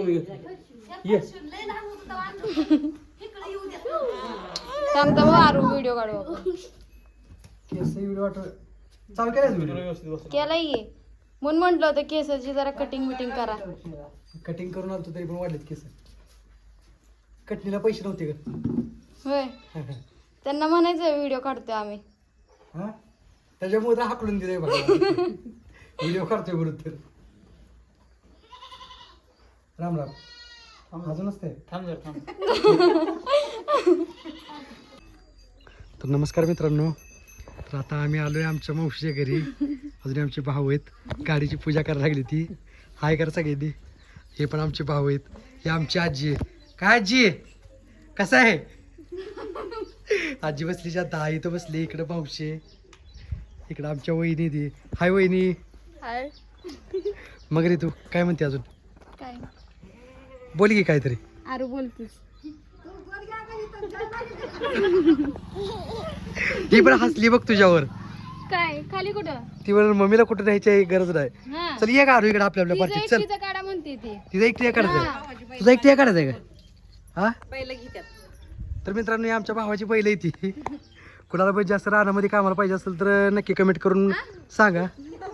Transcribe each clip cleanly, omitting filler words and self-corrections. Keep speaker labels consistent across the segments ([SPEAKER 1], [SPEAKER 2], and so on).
[SPEAKER 1] सांगता बघ आरू व्हिडिओ काढू आपण.
[SPEAKER 2] चालू केलाय
[SPEAKER 1] केलाय ये म्हणून म्हंटल होतं केसाची जरा कटिंग बिटिंग करा.
[SPEAKER 2] कटिंग करून आलतो तरी पण वाढलेत केस. कटणीला पैसे नव्हते का?
[SPEAKER 1] होय त्यांना म्हणायचं व्हिडिओ काढतोय आम्ही.
[SPEAKER 2] हा त्याच्यामुळे तर हाकलून दिलंय बघा. व्हिडिओ काढतोय बरोबर तर. राम राम. अजूनच ते थांब जर थांब. तर नमस्कार मित्रांनो. तर आता आम्ही आलोय आमच्या मावशीच्या घरी. अजून आमचे भाऊ आहेत. गाडीची पूजा करायला लागली ती. हाय करा सगळ्यांनी. हे पण आमचे भाऊ आहेत. हे आमची आजी आहे. काय आजी कसं आहे? आजी बसली जाता इथं बसली. इकडं मावशी इकडं आमच्या वहिनी ती. हाय वहिनी.
[SPEAKER 1] हाय.
[SPEAKER 2] मग रे तू काय म्हणते अजून?
[SPEAKER 1] काय
[SPEAKER 2] बोल की काहीतरी.
[SPEAKER 1] आरू बोलतोस.
[SPEAKER 2] ती पण हसली बघ तुझ्यावर.
[SPEAKER 1] काय खाली कुठं?
[SPEAKER 2] ती म्हणून मम्मीला कुठं न्यायची गरज नाही.
[SPEAKER 1] हा.
[SPEAKER 2] चल ये का आरू इकडे आपल्या पार्टीत. चल
[SPEAKER 1] एकटीचं काढा म्हणते ती.
[SPEAKER 2] तिचा एकटी काढायचं. तुझा एकटी काढायचं का? हा
[SPEAKER 1] पहिलं घेतात.
[SPEAKER 2] तर मित्रांनो ही आमच्या भावाची पहिलं येते. कुणाला पण जास्त रानामध्ये कामाला पाहिजे असेल तर नक्की कमेंट करून सांगा.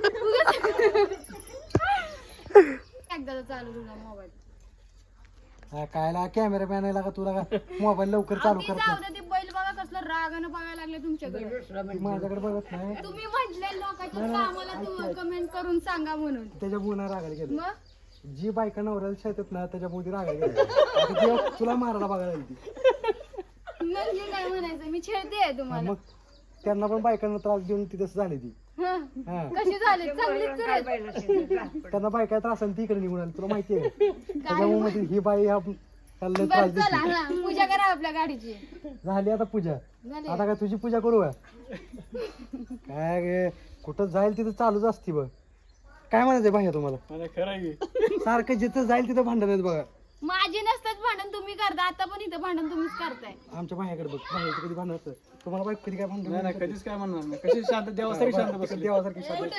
[SPEAKER 1] एकदा चालू तुला मोबाईल.
[SPEAKER 2] कायला कॅमेरामॅन आहे का तुला का मोबाईल लवकर चालू करत नाही.
[SPEAKER 1] ते बैल बघा कसलं रागानं बघायला लागले तुमच्याकडे.
[SPEAKER 2] माझ्याकडे बघत नाही.
[SPEAKER 1] तुम्ही म्हटले लोकांच्या कामाला तू कमेंट करून सांगा म्हणून.
[SPEAKER 2] त्याच्यामुळे नाही रागायला गेलं.
[SPEAKER 1] मग
[SPEAKER 2] जी बायका नवऱ्याला शेतात ना त्याच्यामुळे रागायला गेलं. तुला मारायला बघायला लागली.
[SPEAKER 1] मग मी काय म्हणायचं मी छेडते तुम्हाला.
[SPEAKER 2] मग त्यांना पण बायकांना त्रास देऊन ती तसं झाली ती. हा
[SPEAKER 1] कशी झाली चांगलीच तर.
[SPEAKER 2] त्यांना बायका त्रास आणि ती इकडे निघून आली तुला माहिती आहे. त्याच्यामुळे मध्ये ही बाई त्याला त्रास
[SPEAKER 1] चला
[SPEAKER 2] देते.
[SPEAKER 1] हा, पूजा करा आपल्या गाडीची.
[SPEAKER 2] झाली आता पूजा.
[SPEAKER 1] झाली.
[SPEAKER 2] आता काय तुझी पूजा करू का? काय गे, कुठं जाईल तिथं चालूच असते बघ. काय म्हणायचंय भाई तुम्हाला? सारखं जिथं जाईल तिथं भांडण आहेत बघा.
[SPEAKER 1] माझी नसतात भांडण तुम्ही करता. आता पण इथं भांडण तुम्हीच करताय.
[SPEAKER 2] आमच्या भायाकडे बघ. भायाचं कधी भांडण असतं तुम्हाला बाईक कधी काय भांडण
[SPEAKER 3] नाही कधीच काय म्हणणार नाही. कशी शांत देवासारखी शांत बसली.
[SPEAKER 2] देवासारखी शांत.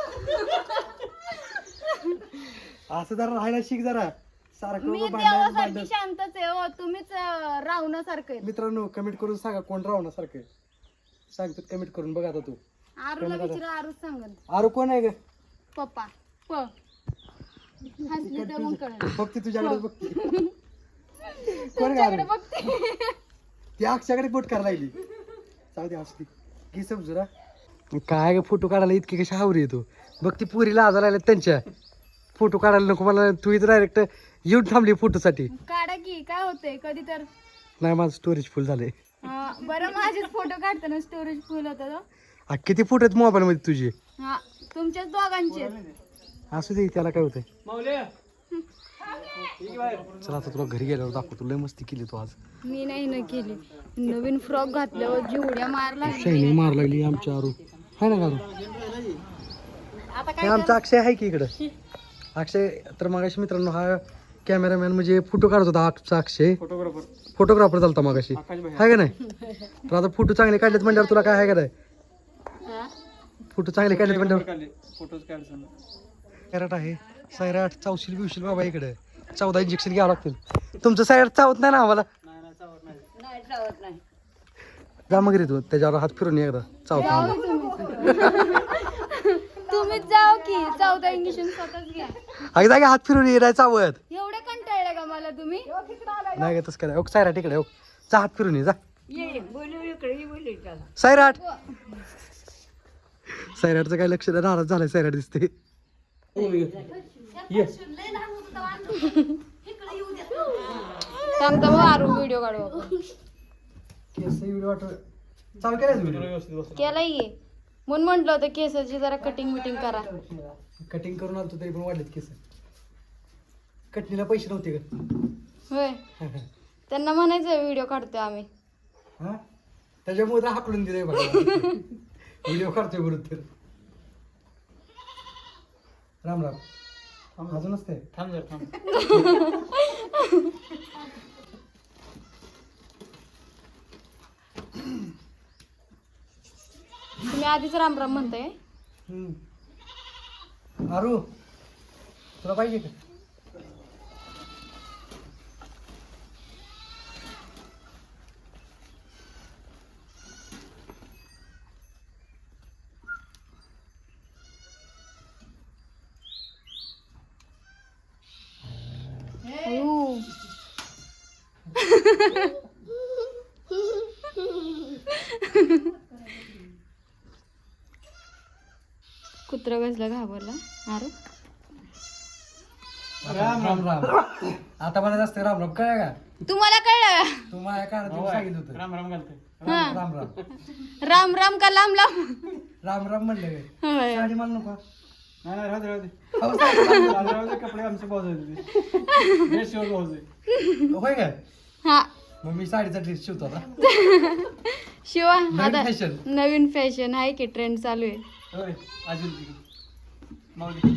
[SPEAKER 2] असं जरा राहायला शिक जरा. सारखं
[SPEAKER 1] मी
[SPEAKER 2] भांडण
[SPEAKER 1] देवासारखी
[SPEAKER 2] भांडण.
[SPEAKER 1] शांतच आहे हो. तुम्हीच रावणासारखं आहे.
[SPEAKER 2] मित्रांनो कमेंट करून सांगा कोण राहण्यासारखं सांगतात. कमेंट करून बघ आता तू.
[SPEAKER 1] आरूला विचारा आरूच सांगत.
[SPEAKER 2] आरू कोण आहे ग?
[SPEAKER 1] पप्पा प हसली तर मग कळलं.
[SPEAKER 2] बघते तुझ्याकडे बघते. कोण
[SPEAKER 1] तुमच्याकडे
[SPEAKER 2] ग?
[SPEAKER 1] बघते.
[SPEAKER 2] ती अक्षाकडे बोट करायला लागली. जाऊ दे हसली की समजूरा. काय ग फोटो काढायला इतकी कशी हावरी येतो बघ. ती पुरीला आजार आल्या त्यांच्या. फोटो काढायला नको मला. तू इथं डायरेक्ट येऊन थांबली फोटोसाठी.
[SPEAKER 1] काढा की काय होतंय कधी तर.
[SPEAKER 2] नाही माझं स्टोरेज फुल झालंय.
[SPEAKER 1] बरं माझेच फोटो काढताना स्टोरेज फुल होतं.
[SPEAKER 2] किती फोटो आहेत मोबाईल मध्ये तुझे?
[SPEAKER 1] हा तुमच्याच दोघांचे.
[SPEAKER 2] असू दे त्याला काय होतंय. चला आता तुला घरी गेल्यावर दाखवतो. लय मस्ती केली तू आज.
[SPEAKER 1] मी नाही न केली. नवीन फ्रॉक घातल्यावर जेवढ्या मारला.
[SPEAKER 2] शायनिंग मार लागली आमच्या आरू. हाय ना गारू. हे आमचा अक्षय आहे की इकडं. अक्षय तर मगाशी मित्रांनो हा कॅमेरामॅन म्हणजे फोटो काढत होता. आमचा अक्षय फोटोग्राफर चालता मगाशी. हाय का नाही? तर आता फोटो चांगले काढलेत म्हणल्यावर तुला काय आहे का नाही? फोटो चांगले काढलेत म्हणल्यावर
[SPEAKER 3] फोटोज काढ.
[SPEAKER 2] सैराट आहे. सैराट चावशील बिवशील बाबा इकडे. 14 इंजेक्शन घ्यावं लागतील. तुमचं सैराट चावत नाही ना आम्हाला? जा मग रे तू त्याच्यावर हात फिरून ये एकदा. चावत
[SPEAKER 1] तुम्हीच जाओ की. 14 इंजेक्शन स्वतःच घ्या.
[SPEAKER 2] अगदी हात फिरून ये नाही चावत.
[SPEAKER 1] एवढे कंटाळले का मला तुम्ही?
[SPEAKER 2] नाही का तसं काय. सैराट इकडे जा हात फिरून ये जा. सैराट सैराटचं काय लक्ष नाराज झालंय. सैराट दिसते.
[SPEAKER 1] सांगता बघ आरू व्हिडिओ काढू आपण.
[SPEAKER 2] चालू केलाय
[SPEAKER 1] केलाय ये म्हणून म्हंटल होतं केसाची जरा कटिंग बिटिंग करा.
[SPEAKER 2] कटिंग करून आलतो तरी पण वाढलेत केस. कटणीला पैसे नव्हते का?
[SPEAKER 1] होय त्यांना म्हणायचं व्हिडिओ काढतोय आम्ही.
[SPEAKER 2] हा त्याच्यामुळे तर हाकलून दिलंय बघा. व्हिडिओ काढतोय बरोबर तर. राम राम. अजूनच ते
[SPEAKER 3] थांब जर थांब.
[SPEAKER 1] तुम्ही आधीच राम राम म्हणताय.
[SPEAKER 2] आरू तुला पाहिजे का?
[SPEAKER 1] कुत्रा कसला घाबरला अरे
[SPEAKER 2] राम राम राम आता मला जास्त राम राम कळलं का
[SPEAKER 1] तुम्हाला कळलं का?
[SPEAKER 2] तू माझ्या कानात सांगितलं होतं
[SPEAKER 3] राम राम घालते
[SPEAKER 1] हा.
[SPEAKER 2] राम राम
[SPEAKER 1] राम राम का लांब लांब
[SPEAKER 2] राम राम म्हणलं काय
[SPEAKER 1] होय.
[SPEAKER 2] साडी मला नको
[SPEAKER 3] नाही नाही राहू दे
[SPEAKER 2] अहो, साडी मला नको.
[SPEAKER 3] राहू दे कपडे आमचे भाऊ होते ड्रेस शिवर भाऊ
[SPEAKER 2] होय का
[SPEAKER 1] हा
[SPEAKER 2] मग मी साडीचा ड्रेस शिवतो आता
[SPEAKER 1] शिवा
[SPEAKER 2] नवीन
[SPEAKER 1] आता
[SPEAKER 2] fashion.
[SPEAKER 1] नवीन फॅशन आहे की ट्रेंड चालू आहे
[SPEAKER 3] होय अजून माऊली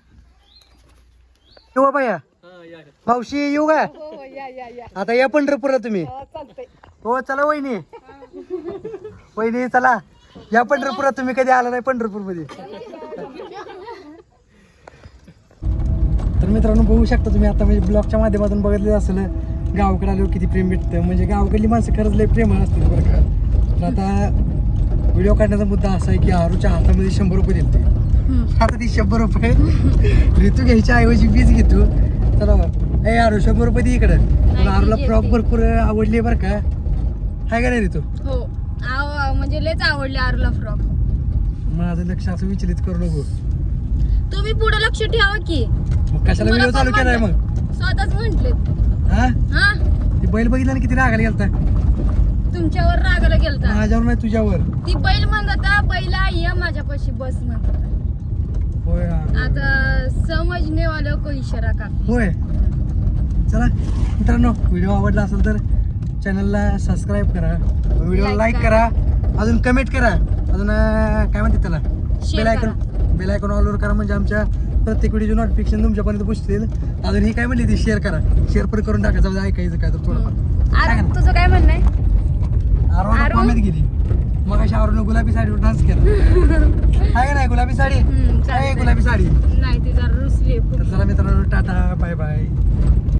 [SPEAKER 2] येऊ बाया
[SPEAKER 3] हा या
[SPEAKER 2] मावशी येऊ का
[SPEAKER 1] हो या या या
[SPEAKER 2] आता या पंढरपूरला तुम्ही
[SPEAKER 1] चालतंय
[SPEAKER 2] हो चला वहिनी वहिनी चला या पंढरपुरात तुम्ही कधी आला नाही पंढरपूर मध्ये तर मित्रांनो बघू शकता तुम्ही आता म्हणजे ब्लॉगच्या माध्यमातून बघितलं असेल गावाकडे आल्यावर किती प्रेम भेटतं म्हणजे गावाकडली माणसं खरंच लय प्रेमळ असतील बरं का तर आता व्हिडिओ काढण्याचा मुद्दा असा आहे की आरूच्या हातामध्ये 100 रुपये दिलते आता ती 100 रुपये ऋतू घ्यायच्या ऐवजी वीज घेतो चला ए आरू 100 रुपये दे इकडं तर आरूला फ्रॉक भरपूर आवडली बरं का हाय का नाही ऋतू
[SPEAKER 1] हो म्हणजे लयच आवडले आरूला फ्रॉक
[SPEAKER 2] माझं लक्ष असं विचलित करू नको
[SPEAKER 1] तुम्ही पुढे लक्ष ठेवा की
[SPEAKER 2] मग कशाला व्हिडिओ चालू केलाय मग
[SPEAKER 1] स्वतःच म्हंटले
[SPEAKER 2] हा
[SPEAKER 1] हा
[SPEAKER 2] ती बैल बघितला ना किती रागाला गेलता
[SPEAKER 1] तुमच्यावर रागाला गेलता
[SPEAKER 2] माझ्यावर नाही तुझ्यावर
[SPEAKER 1] ती बैल म्हणता बैला या माझ्यापाशी बस म्हणतात
[SPEAKER 2] होय
[SPEAKER 1] आता समजणे वाला को इशारा का
[SPEAKER 2] होय चला मित्रांनो व्हिडिओ आवडला असेल तर चॅनलला सबस्क्राईब करा व्हिडिओला
[SPEAKER 1] Like
[SPEAKER 2] लाईक
[SPEAKER 1] करा.
[SPEAKER 2] करा अजून कमेंट करा अजून काय म्हणते त्याला बेल आयकॉन ऑलवर करा म्हणजे आमच्या प्रत्येक व्हिडिओचे नोटिफिकेशन तुमच्यापर्यंत पोहोचतील अजून ही काय म्हणली ती शेअर करा शेअर पण करून टाकायचं म्हणजे ऐकायचं काय तर थोडंफार
[SPEAKER 1] अरे तुझं काय म्हणणं आहे
[SPEAKER 2] आरोन
[SPEAKER 1] आरू?
[SPEAKER 2] कॉमेंट गेली मग अशी आरोन गुलाबी साडीवर डान्स केला आहे का नाही गुलाबी साडी
[SPEAKER 1] चालतंय.
[SPEAKER 2] आहे गुलाबी साडी
[SPEAKER 1] नाही ती जरा रुसली
[SPEAKER 2] तर चला मित्रांनो टाटा बाय बाय